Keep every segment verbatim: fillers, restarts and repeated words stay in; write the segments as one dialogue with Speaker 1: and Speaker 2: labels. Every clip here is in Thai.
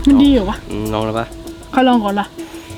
Speaker 1: มันดีเหรอวะ
Speaker 2: ลองแล้วปะ
Speaker 1: ใครลองก่อนล่ะ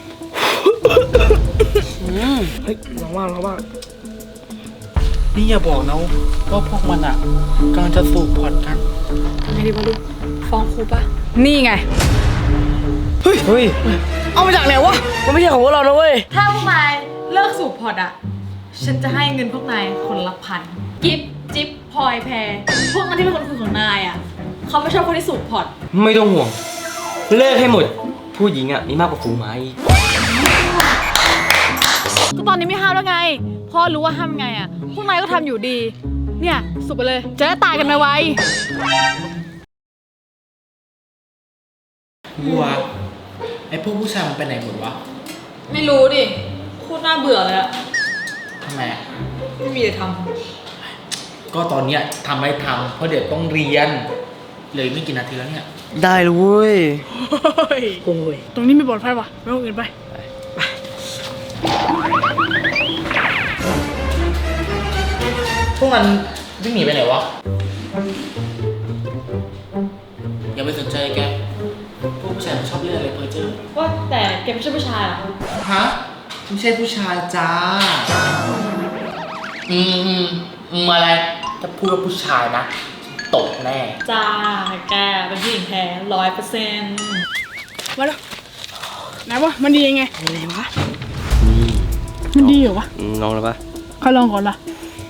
Speaker 3: เฮ้ยลองว่าลองว่านี่อย่าบอกนะว่าพวกมันอ่ะกำลังจะสูบพอร์ตกัน
Speaker 4: ทำไงดีวะลูกฟ้องครูปะนี่ไง
Speaker 3: เฮ้ยเฮ้ยเอามาจากไหนวะมันไม่ใช่ของพวกเรานะเว้ย
Speaker 4: ถ้าพวกนายเลิกสูบพอร์ตอ่ะฉันจะให้เงินพวกนายคนละพันกิฟจิ๊บพลอยแพรพวกนั้นที่เป็นคนคุยของนายอ่ะเขาไม่ชอบคนที่สูบพอร์ต
Speaker 2: ไม่ต้องห่วงเลิกให้หมดผู้หญิงอ่ะมีมากกว่าฝูงไม้
Speaker 4: ก็ตอนนี้ไม่ห้ามแล้วไงพ่อรู้ว่าห้ามไงอ่ะพวกนายก็ทำอยู่ดีเนี่ยสูบไปเลยจะได้ตายกันไว
Speaker 3: ๆบัวไอพวกผู้ชายมันไปไหนหมดวะ
Speaker 4: ไม่รู้ดิโคตรน่าเบื่อเลยอะ
Speaker 3: ทำไมอะ
Speaker 4: ไม่มีอะไรท
Speaker 3: ำก็ตอนเนี้ยทำไม่ทำเพราะเดี๋ยวต้องเรียนเลยไม่กี่นาทีแล้วเนี่ย
Speaker 2: ได้เลยเว้ย
Speaker 1: โอ้ยตรงนี้ไม่ปลอดภัยว่ะไปห้องอื่นไป
Speaker 3: พวกมันวิ่งหนีไปไหนวะอย่าไปสนใจแกพวกผู้ชายมันชอบเล่นอะไรเพอเจอ
Speaker 4: ว่าแต่แกไม่ใช่ผู้ชายหรอ
Speaker 3: ฮะไม่ใช่ผู้ชายจ้าอืมอืมอะไรถ้าพูดว่าผู้ชายนะตกแน่
Speaker 4: จ้าแกเป็นผู้หญิงแท้ร้อยเปอร์เซ็นต์
Speaker 1: มาแล้วไหนวะมันดียังไง
Speaker 3: อะไรวะ
Speaker 1: มันดีเหรอวะ
Speaker 2: ลองแล้วปะ
Speaker 1: ใครลองก่อนล่ะ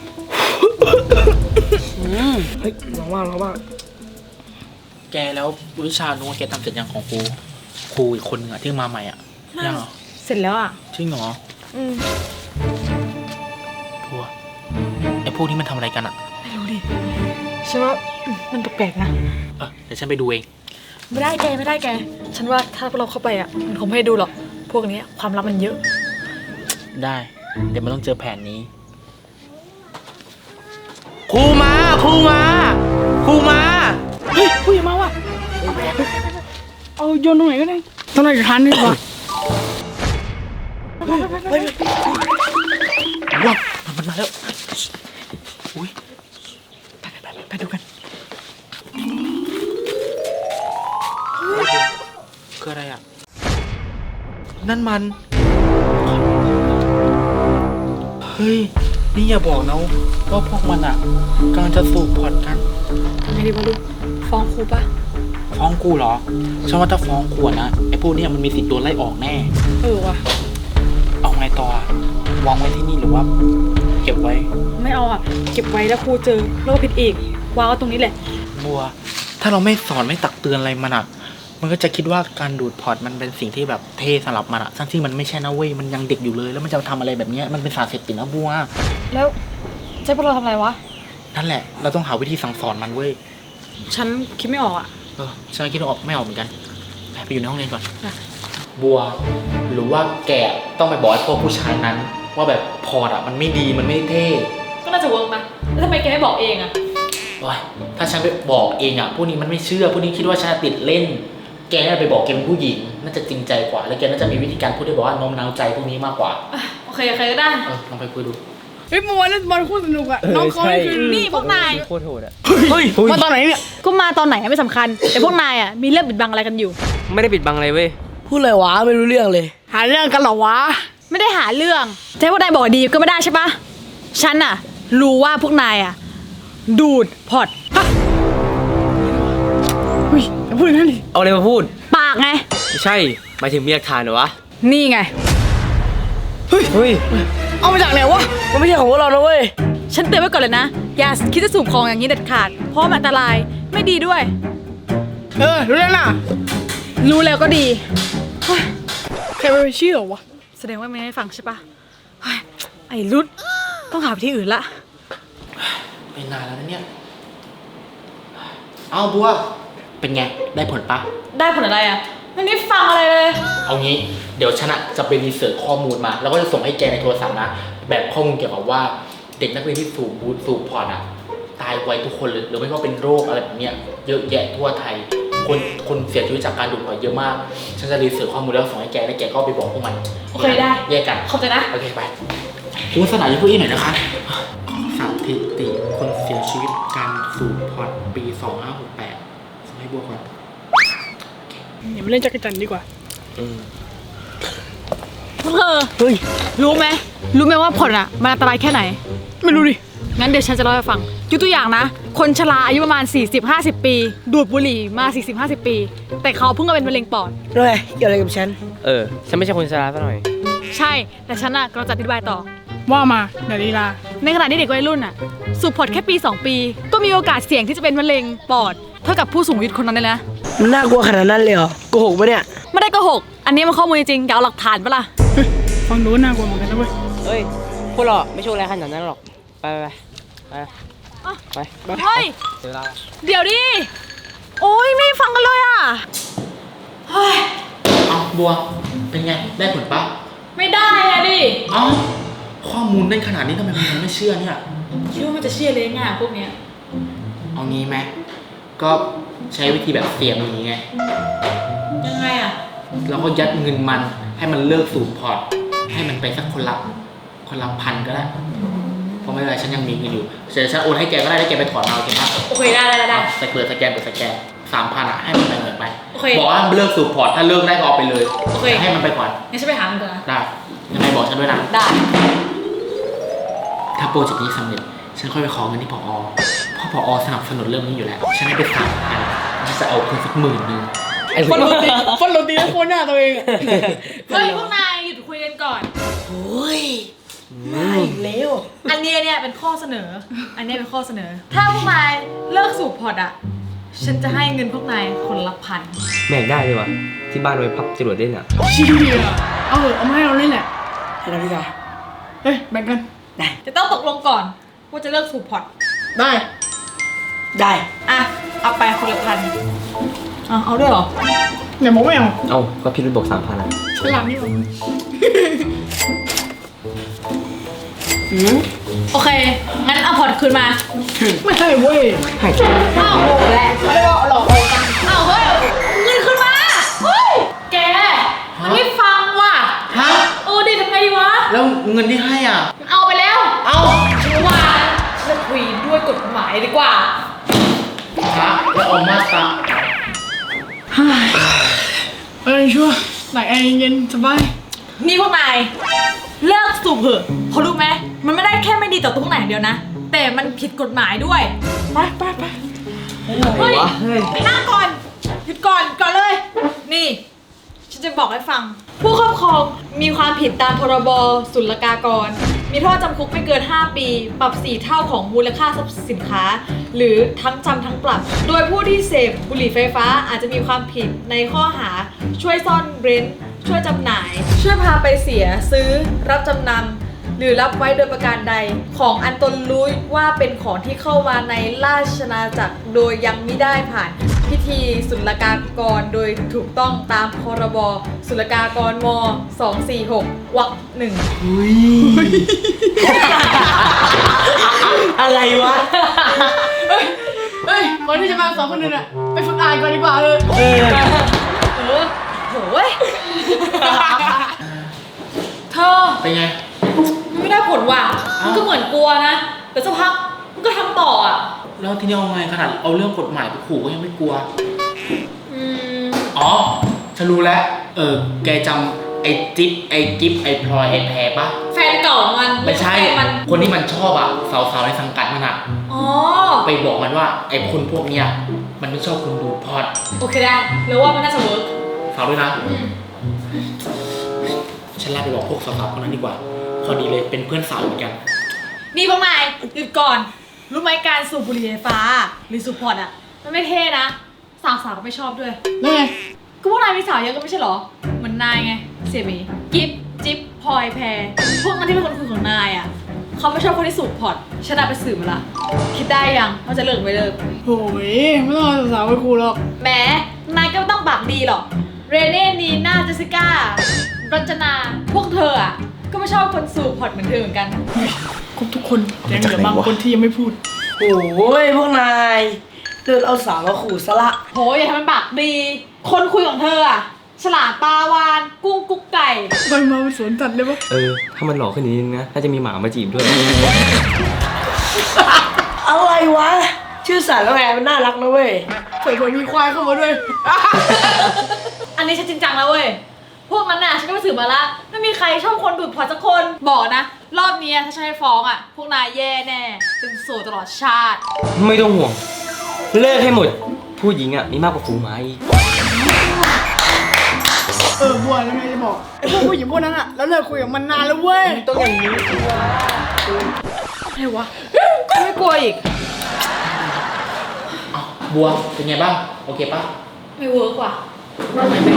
Speaker 3: เฮ้ยลองว่าลองว่าแกแล้ววิชาโน้ตแกทำเสร็จยังของครูครูอีกคนนึงอะที่มาใหม่อะยังเหรอ
Speaker 4: เสร็จแล้วอะ
Speaker 3: จริงเหรอ
Speaker 4: อืม
Speaker 3: พวกไอ้พวกนี้มันทำอะไรกันอะ
Speaker 4: ไม่รู้ดิฉันว่ามันแปลกๆนะ
Speaker 3: เออเดี๋ยวฉันไปดูเอง
Speaker 4: ไม่ได้แกไม่ได้แกฉันว่าถ้าเราเข้าไปอะมันคงไม่ให้ดูหรอกพวกนี้ความลับมันเยอะ
Speaker 3: ได้เดี๋ยวมันต้องเจอแผนนี้ครูมาครูมาครูมา
Speaker 1: เฮ้ยผู้ใหญ่มาว่ะเอาโยนตรงไหนก็ได้ตรงไหนจะทันดีกว่า
Speaker 3: ว้าวมันมาแล้วอุ้ยไปไปไปไปดูกันคืออะไรอ่ะนั่นมันเฮ้ยนี่อย่าบอกนะว่าพวกมันอ่ะกำลังจะสูบพอร์ตกัน
Speaker 4: ทำไงดีวะลูกฟ้องครูปะ
Speaker 3: ฟ้องกูเหรอฉันว่าถ้าฟ้องครูนะไอ้พวกนี้มันมีสิทธิ์โดนไล่ออกแน่
Speaker 4: เออว่ะ
Speaker 3: เอาไงต่อวางไว้ที่นี่หรือว่าเก็บไว้
Speaker 4: ไม่เอาอ่ะเก็บไว้แล้วครูเจอแล้วก็ผิดอีกวางไว้ตรงนี้แหละ
Speaker 3: บัวถ้าเราไม่สอนไม่ตักเตือนอะไรมันอ่ะมันก็จะคิดว่าการดูดพอร์ตมันเป็นสิ่งที่แบบเท่สำหรับมันอ่ะทั้งที่มันไม่ใช่นะเว้ยมันยังเด็กอยู่เลยแล้วมันจะทำอะไรแบบนี้มันเป็นสารเสพติดนะบัว
Speaker 4: แล้วใช่พวกเราทำอะไรวะ
Speaker 3: นั่นแหละเราต้องหาวิธีสั่งสอนมันเว้ย
Speaker 4: ฉันคิดไม่ออกอ่ะ
Speaker 3: เออฉันคิดออกไม่ออกเหมือนกันไปอยู่ในห้องเรียนก่อนบัวหรือว่าแกต้องไปบอกไอ้พวกผู้ชายนั้นว่าแบบพอร์ตอ่ะมันไม่ดีมันไม่เท่
Speaker 4: ก็น่าจะเวิร์กนะแล้วทำไมแกไม่บอกเองอ่ะ
Speaker 3: โอ้ยถ้าฉันไปบอกเองอ่ะพวกนี้มันไม่เชื่อพวกนี้คิดว่าฉันติดเล่นแกน่าไปบอกแกเป็นผู้หญิงน่าจะจริงใจกว่าแล้วแกน่าจะมีวิธีการพูดได้บอกว่าโน้มน้าวใจพวกนี้มากกว่า
Speaker 4: โอเคโอเคก็ได้
Speaker 3: เออลองไปคุยดู
Speaker 1: เฮ้ยเมื่อวานเล่นบอลโคตรสนุกอะน้องเขาคือ
Speaker 4: นี่พวกนาย
Speaker 2: โคตรโหดอะ
Speaker 1: เฮ้ยมาตอนไหนเนี่ย
Speaker 4: ก็มาตอนไหนไม่สำคัญแต่พวกนายอะมีเรื่องปิดบังอะไรกันอยู่
Speaker 2: ไม่ได้ปิดบังอะไรเว้ย
Speaker 3: พูดเลยวะไม่รู้เรื่องเลย
Speaker 1: หาเรื่องกันเหรอวะ
Speaker 4: ไม่ได้หาเรื่องแต่พวกนายบอกดีก็ไม่ได้ใช่ปะฉันอะรู้ว่าพวกนายอะดูดพอร์ต
Speaker 1: เฮ้ยพูดอย่างนั้นดิ
Speaker 2: เอาอะไรมาพูด
Speaker 4: ปากไง
Speaker 2: ไม่ใช่หมายถึงมีหลักฐานเหรอวะ
Speaker 4: นี่ไง
Speaker 1: เฮ้ยเฮ้ยเอามาจากไหนวะ
Speaker 3: มันไม่ใช่ของพวกเรานะเว้ย
Speaker 4: ฉันเตือนไว้ก่อนเลยนะอย่าคิดจะสูบของอย่างนี้เด็ดขาดเพราะมันอันตรายไม่ดีด้วย
Speaker 1: เออรู้แล้วนะ
Speaker 4: รู้แล้วก็ดี
Speaker 1: ใครไปเชื่อวะ
Speaker 4: แสดงว่าไม่ได้ฟังใช่ปะไอ้รุดต้องหาที่อื่นละ
Speaker 3: เป็นนานแล้วนะเนี่ยเอาบัวเป็นไงได้ผลปะ
Speaker 4: ได้ผลอะไรอ่ะไม่ได้ฟังอะไรเลย
Speaker 3: เอางี้เดี๋ยวฉันจะไปรีเสิร์ชข้อมูลมาแล้วก็จะส่งให้แกในโทรศัพท์นะแบบข้อมูลเกี่ยวกับว่าเด็กนักเรียนที่สูบบูธสูบพอร์ตอ่ะตายไวทุกคนเลยหรือไม่ก็เป็นโรคอะไรแบบเนี้ยเยอะแยะทั่วไทยคนคนเสียชีวิตจากการดูดพอร์ตเยอะมากฉันจะรีเสิร์ชข้อมูลแล้วส่งให้แกแล้วแกก็ไปบอกพวกมัน
Speaker 4: โอเคได้
Speaker 3: แยกกัน
Speaker 4: เข้าใจนะ
Speaker 3: โอเคไปคุณสนามยี่พูดอีกหน่อยนะคะสถิติคนเสียชีวิตการสูบพอร์ตปีสองห้าหกแปดส่งให้บัวก่อน
Speaker 1: อย่ามาเล่นจักรจันทร์ดีกว่า
Speaker 4: พวกเธอ
Speaker 1: เฮ้ย
Speaker 4: รู้ไหมรู้ไหมว่าผลอ่ะมันอันตรายแค่ไหน
Speaker 1: ไม่รู้ดิ
Speaker 4: งั้นเดี๋ยวฉันจะเล่าให้ฟังยกตัวอย่างนะ คนชราอายุประมาณ สี่สิบห้าสิบ ปี ดูดบุหรี่มา สี่สิบห้าสิบ ปี แต่เขาเพิ่งมาเป็นมะเร็งปอด
Speaker 5: ด้วยเกี่ยวอะไรกับฉัน
Speaker 2: เออ ฉันไม่ใช่คนชราซะหน่อย
Speaker 4: ใช่ แต่ฉันอ่ะกำลังจะอธิบายต่อ
Speaker 1: ว่ามาเดี๋ยวลีลา
Speaker 4: ในขณะที่เด็กวัยรุ่นอ่ะ สูบพอร์ตแค่ปี สอง ปี ก็มีโอกาสเสี่ยงที่จะเป็นมะเร็งปอด เท่ากับผู้สูงอายุคนนั้นเลยนะ
Speaker 5: มันน่ากลัวขนาดนั้นเลยเหรอโกหกปะเนี่ย
Speaker 4: ไม่ได้โกหก อันนี้มันข้อมูลจริงๆอยากเอาหลักฐานปะล่ะ
Speaker 1: เฮ้ยฟังดูน่ากลัวเหมือนกันนะเว้ย
Speaker 5: เฮ้ย พวกเราไม่ช่วยอะไรขนาดนั้นหรอก ไปไปไปไปไป
Speaker 4: เฮ้ย
Speaker 5: เดี๋ยวเรา
Speaker 4: เดี๋ยวดิ โอ้ยไม่ฟังกันเลยอ่ะ เฮ้ย
Speaker 3: เอาบัว เป็นไง ได้ผลปะ
Speaker 4: ไม่ได้อะดิ
Speaker 3: เอ้า ข้อมูลได้ขนาดนี้ทำไมมึงยังไม่เชื่อเนี่ย
Speaker 4: คิดว่ามันจะเชื่อเลยง่ายพวกเนี้ย
Speaker 3: เอางี้ไหมก็ใช้วิธีแบบเสียงอย่างนี้ไง
Speaker 4: ยังไงอ่ะ
Speaker 3: เราก็ยัดเงินมันให้มันเลิกสูบพอร์ต ให้มันไปสักคนละคนละพันก็ได้ เพราะไม่เป็นไรฉันยังมีเงินอยู่เดี๋ยวฉันโอนให้แกก็ได้แล้วแกไปถอนเอาโอเคปะ
Speaker 4: โอเคได้ได้ได้
Speaker 3: เอาใส่เปิดสแกนเปิดสแกนสามพันอ่ะให้มันไปเงินไป
Speaker 4: โอเค
Speaker 3: บอกว่าเลิกสูบพอร์ตถ้าเลิกได้ก็เอาไปเลย
Speaker 4: โอเค
Speaker 3: ให้มันไปก่อน
Speaker 4: งั้นฉันไปหามันก่อนนะ
Speaker 3: ได้ยังไงบอกฉันด้วยนะ
Speaker 4: ได้
Speaker 3: ถ้าโปรเจกต์นี้สำเร็จฉันค่อยไปขอเงินที่ผอเพราะผอสนับสนุนเรื่องนี้อยู่แล้วฉันให้ไปสามพันฉันจะเอาคืนสักหมื่นหนึง
Speaker 1: ฟันโรตีฟันโรตีแล้วโคนหน้าตัวเองอะ
Speaker 4: เฮ้ยพวกนายหยุดคุยกันก่อน
Speaker 5: โอ้ยไม่เร็ว
Speaker 4: อันนี้เนี่ยเป็นข้อเสนอ อันนี้เป็นข้อเสนอ ถ้าพวกนายเลิกสูบพอร์ตอ่ะ ฉันจะให้เงินพวกนายคนละพัน
Speaker 2: แม่งได้เลยว่ะ ที่บ้านไว้พับจรวดเล่นอ่ะ
Speaker 1: เชี่ยเอาเถอะเอามาให้เราเล่นแหละ
Speaker 5: ให้เราดีกว่า
Speaker 1: เฮ้ยแบ่งกัน
Speaker 5: ได้
Speaker 4: จะต้องตกลงก่อนว่าจะเลิกสูบพอร์ต
Speaker 1: ได้
Speaker 5: ได้
Speaker 4: อ่ะ เอาไปคนละพันอ่ะเอาด้วยเหรอ
Speaker 1: เนี่ยบอกไม่เอา
Speaker 2: เอ้า ก็พี่รุ่นบอกสามพันอ่ะ
Speaker 1: ฉลาดนี่หว่า
Speaker 5: อืม
Speaker 4: โอเค งั้นเอาพอร์ตคืนมา
Speaker 1: ไม่ให้เว้ย
Speaker 5: ให้
Speaker 4: อ้าวโหแหละไม่ได้ว่าหลอกกันอ้าวเฮ้ยเงินคืนมาเฮ้ยแกมันไม่ฟังว่ะ
Speaker 3: ฮะ
Speaker 4: เออดิทำไงดีวะ
Speaker 3: แล้วเงินที่ให้อ่ะ
Speaker 4: เอาไปแล้ว
Speaker 3: เอา
Speaker 4: ฉันว่าฉันคุยด้วยกฎหมายดีกว่า
Speaker 3: ฮะแล้วเอามาตรา
Speaker 1: เอ้ยชัวร์ไหนแอร์เย็นสบาย
Speaker 4: นี่พวกนายเลิกสูบเถอะเพราะรู้ไหมมันไม่ได้แค่ไม่ดีต่อตัวพวกนายอย่างเดียวนะ แต่มันผิดกฎหมายด้วย
Speaker 1: ไปไปไป
Speaker 4: เฮ้ย
Speaker 5: เฮ้ย
Speaker 4: นั่งก่อนหยุดก่อนก่อนเลย นี่ ฉันจะบอกให้ฟัง ผู้ครอบครองมีความผิดตามพรบศุลกากร มีโทษจำคุกไม่เกิน ห้า ปี ปรับสี่เท่าของมูลค่าทรัพย์สินค้า หรือทั้งจำทั้งปรับ โดยผู้ที่เสพบุหรี่ไฟฟ้าอาจจะมีความผิดในข้อหาช่วยซ่อนเร้น ช่วยจำหน่าย ช่วยพาไปเสียซื้อรับจำนำหรือรับไว้โดยประการใด ของอันตนรู้ว่าเป็นของที่เข้ามาในราชอาณาจักรโดยยังไม่ได้ผ่านพิธีศุลกากรโดยถูกต้องตามพรบศุลกากรม สองสี่หก วรรคหนึ่ง
Speaker 5: อะไรวะ
Speaker 1: เฮ้ยเฮ้ยก่อนที่จะมาสองคนนึงอะไปฝึกอ่านก่อนดีกว่าเลย
Speaker 5: เออ
Speaker 4: เออโหยเธอ
Speaker 3: เป็นไง
Speaker 4: มันไม่ได้ผลว่ะ มันก็เหมือนกลัวนะ แต่สักพักมันก็ทำต่ออ่ะ
Speaker 3: แล้วที่นี่เอาไงขนาดเอาเรื่องกฎหมายไปขู่ก็ยังไม่กลัว
Speaker 4: อืม
Speaker 3: อ๋อ ฉันรู้แล้ว เออ แกจำไอ้จิ๊บไอ้จิ๊บไอ้พลอยไอ้แพรปะ
Speaker 4: แฟนเก่ามัน
Speaker 3: ไม่ใช่
Speaker 4: แฟนมัน
Speaker 3: คนที่มันชอบอ่ะ สาวๆในสังกัดมันอ่ะ
Speaker 4: อ๋อ
Speaker 3: ไปบอกมันว่าไอ้คนพวกเนี้ยมันไม่ชอบคนดูพอด
Speaker 4: โอเคได้แล้วว่ามันน่าจะเวิร์ก
Speaker 3: ฝากด้วยนะ
Speaker 4: อืม
Speaker 3: ฉันลาไปบอกพวกสาวๆคนนั้นดีกว่า พอดีเลยเป็นเพื่อนสาวเหมือนกัน
Speaker 4: นี่พวกนายหยุดก่อน รู้ไหมการสูบบุหรี่ไฟฟ้า หรือสูบพอร์ตอ่ะ มันไม่เท่นะ สาวๆก็ไม่ชอบด้วย
Speaker 1: แล้วไง
Speaker 4: ก็พวกนายมีสาวเยอะก็ไม่ใช่เหรอ เหมือนนายไง เสียหมีกิฟจิ๊บพลอยแพร พวกนั้นที่เป็นคนคุยของนายอ่ะ เขาไม่ชอบคนที่สูบพอร์ตฉันเอาไปสืบมาละ คิดได้ยังว่าจะเลิกไม่เลิก
Speaker 1: โอ้ยไม่ต้องเอาสาวๆไปครูหรอก
Speaker 4: แหมนายก็ไม่ต้องปากดีหรอก เรเน่นีน่าเจสสิก้า รจนา พวกเธออ่ะ ก็ไม่ชอบคนสูบพอร์ตเหมือนเธอเหมือนกัน
Speaker 1: ครบทุกคนแต่ยังเหลือบางคนที่ยังไม่พูด
Speaker 5: โอ้ยพวกนายเดินเอาสาวมาขู่ซะละ
Speaker 4: โหอย่าทำมันปากดี คนคุยของเธออ่ะ ฉลาดปลาวาน กุ้งกุ๊กไก่
Speaker 1: ไปมาเป็นสวนสัตว์เลยปะ
Speaker 2: เออ ถ้ามันหล่อขึ้นนิดนึงนะ น่าจะมีหมามาจีบด้วย
Speaker 5: อะไรวะ ชื่อสารแล้วไงมันน่ารักนะเว้ย
Speaker 1: เผื่อๆมีควายเข้ามาด้วย
Speaker 4: นี้ฉันจริงจังแล้วเว้ย พวกนั้นน่ะฉันก็ไปสืบมาละไม่มีใครชอบคนดูดพอร์ตสักคน บอกนะ รอบนี้ถ้าฉันให้ฟ้องอ่ะ พวกนายแย่แน่ เป็นโสดตลอดชาติ
Speaker 2: ไม่ต้องห่วง เลิกให้หมด ผู้หญิงอ่ะมีมากกว่าฝูงหมาอีก
Speaker 1: เออบัวแล้วไงจะบอกไอ้พวกผู้หญิงพวกนั้นอะแล้วเลิกคุยกับมันนานแล้วเว้ย
Speaker 2: ต้องอย่างนี้สิวะ
Speaker 1: อะไรวะ
Speaker 4: ไม่กลัวอีก
Speaker 3: อ้าวบัวเป็นไงบ้างโอเคปะ
Speaker 4: ไม่เวิร์กว่ะ
Speaker 3: ทำไมไม่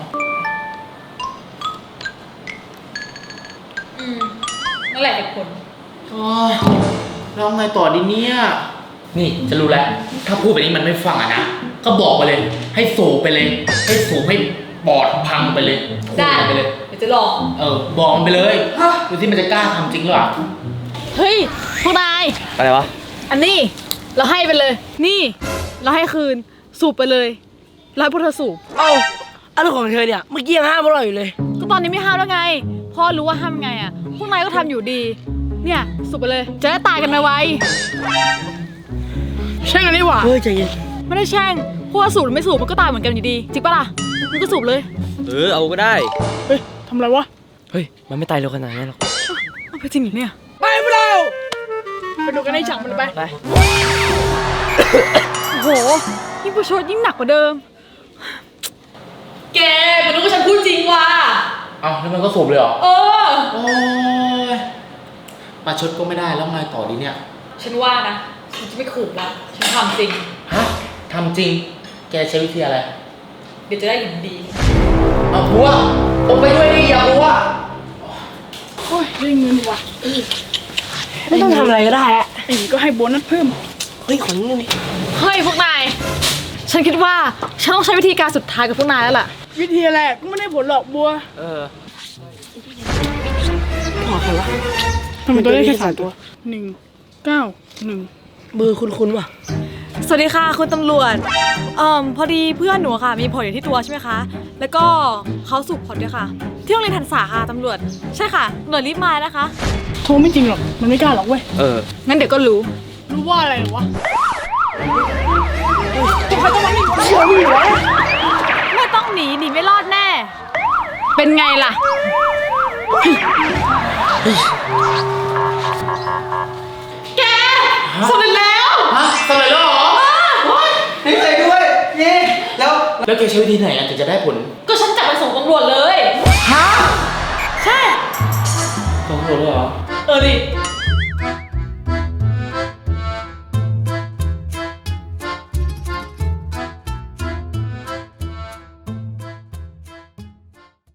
Speaker 4: อืมนั่นแหละเหตุผล
Speaker 3: โอ้ยแล้วไงต่อดีเนี่ยนี่จะรู้แล้วถ้าพูดแบบนี้มันไม่ฟังอะนะก็บอกไปเลย ให้สูบไปเลย ให้สูบให้ปอดพังไปเลย
Speaker 4: ได้
Speaker 3: พูไปเลย
Speaker 4: เดี๋ยวจะลอง
Speaker 3: เออบอกมันไปเลยดูที่มันจะกล้าทำจริงหรือเปล่า
Speaker 4: เฮ้ย พวกนาย
Speaker 2: อะไรวะ
Speaker 4: อันนี้เราให้ไปเลย นี่ เราให้คืน สูบไปเลยแล้วให้พวกเธอสูบ
Speaker 5: เอ้าอะไรของเธอเนี่ย เมื่อกี้ยังห้ามพวกเราอยู่เลย
Speaker 4: ก็ตอนนี้ไม่ห้ามแล้วไงพ่อรู้ว่าห้ามไงอ่ะ พวกนายก็ทำอยู่ดี เนี่ยสูบไปเลย จะได้ตายกันไว
Speaker 1: ใช่กันนี่หว่า
Speaker 5: เฮ้ยใจเย็น
Speaker 4: ๆไม่ได้แช่งเพราะว่าสูบหรือไม่สูบมันก็ตายเหมือนกันอยู่ดี จริงปะล่ะมันก็สูบเลย
Speaker 2: เออเอาก็ได้
Speaker 1: เฮ้ยทำอะไรวะ
Speaker 2: เฮ้ย มันไม่ตายเร็วขนาดนั้นหรอก
Speaker 4: เอาไปจริงเหรอเนี่ย
Speaker 1: ไปพวกเราไปดูกันในฉากมันไป
Speaker 5: ไป
Speaker 4: โอ้โหยิ่งประชดยิ่งหนักกว่าเดิม แกมันรู้ว่าฉันพูดจริงว่ะ
Speaker 3: เอ้าแล้วมันก็สูบเลยเหรอ
Speaker 4: เออ
Speaker 3: โอ้ยปลาชดก็ไม่ได้แล้วไงต่อดีเนี่ย
Speaker 4: ฉันว่านะ ฉันจะไม่ขู่ละฉันทำจริง
Speaker 3: ฮะทำจริง แกใช้วิธีอะไร
Speaker 4: เดี๋ยวจะได้เห็นดี
Speaker 3: เอาบัวผมไปด้วยดิอย่าบัว
Speaker 1: โอ้ยได้เงินว่ะ
Speaker 5: ไม่ต้องทำอะไรก็ได้อะ
Speaker 1: ไอ้ก็ให้โบนัสเพิ่ม
Speaker 5: เฮ้ยขอนิดนึงดิ
Speaker 4: เฮ้ยพวกนาย ฉันคิดว่าฉันต้องใช้วิธีการสุดท้ายกับพวกนายแล้วล่ะ
Speaker 1: วิธีอะไรก็ไม่ได้ผลหรอกบัว
Speaker 2: เออ
Speaker 5: ขอใครวะ
Speaker 1: ทำไมตัวเลขแค่สามตัวหนึ่งเก้าหนึ่ง
Speaker 5: เบอร์คุ้นๆว่ะ
Speaker 4: สวัสดีค่ะคุณตำรวจเอ่อพอดีเพื่อนหนูค่ะมีผลอยู่ที่ตัวใช่ไหมคะ แล้วก็เขาสูบผลด้วยค่ะ ที่โรงเรียนทันษาค่ะตำรวจ ใช่ค่ะหน่วยรีบมานะคะ
Speaker 1: โทรไม่จริงหรอกมันไม่กล้าหรอกเว้ย
Speaker 2: เออ
Speaker 4: งั้นเดี๋ยวก็รู้
Speaker 1: รู้ว่าอะไรเหรอวะใครต้องมาหนีเชื่อมึงวะ
Speaker 4: ไม่ต้องหนีหนีไม่รอดแน่ เป็นไงล่ะ แกสำเร็จแล้ว
Speaker 3: ฮะสำเร็จแล้วเหรอดีใจด้วยเย้แล้ว แล้วแกใช้วิธีไหนอะถึงจะได้ผล
Speaker 4: ก็ฉันจับไปส่งตำรวจเลย
Speaker 3: ฮะ
Speaker 4: ใช่
Speaker 3: ตำรวจเลยเหรอ
Speaker 4: เออดิ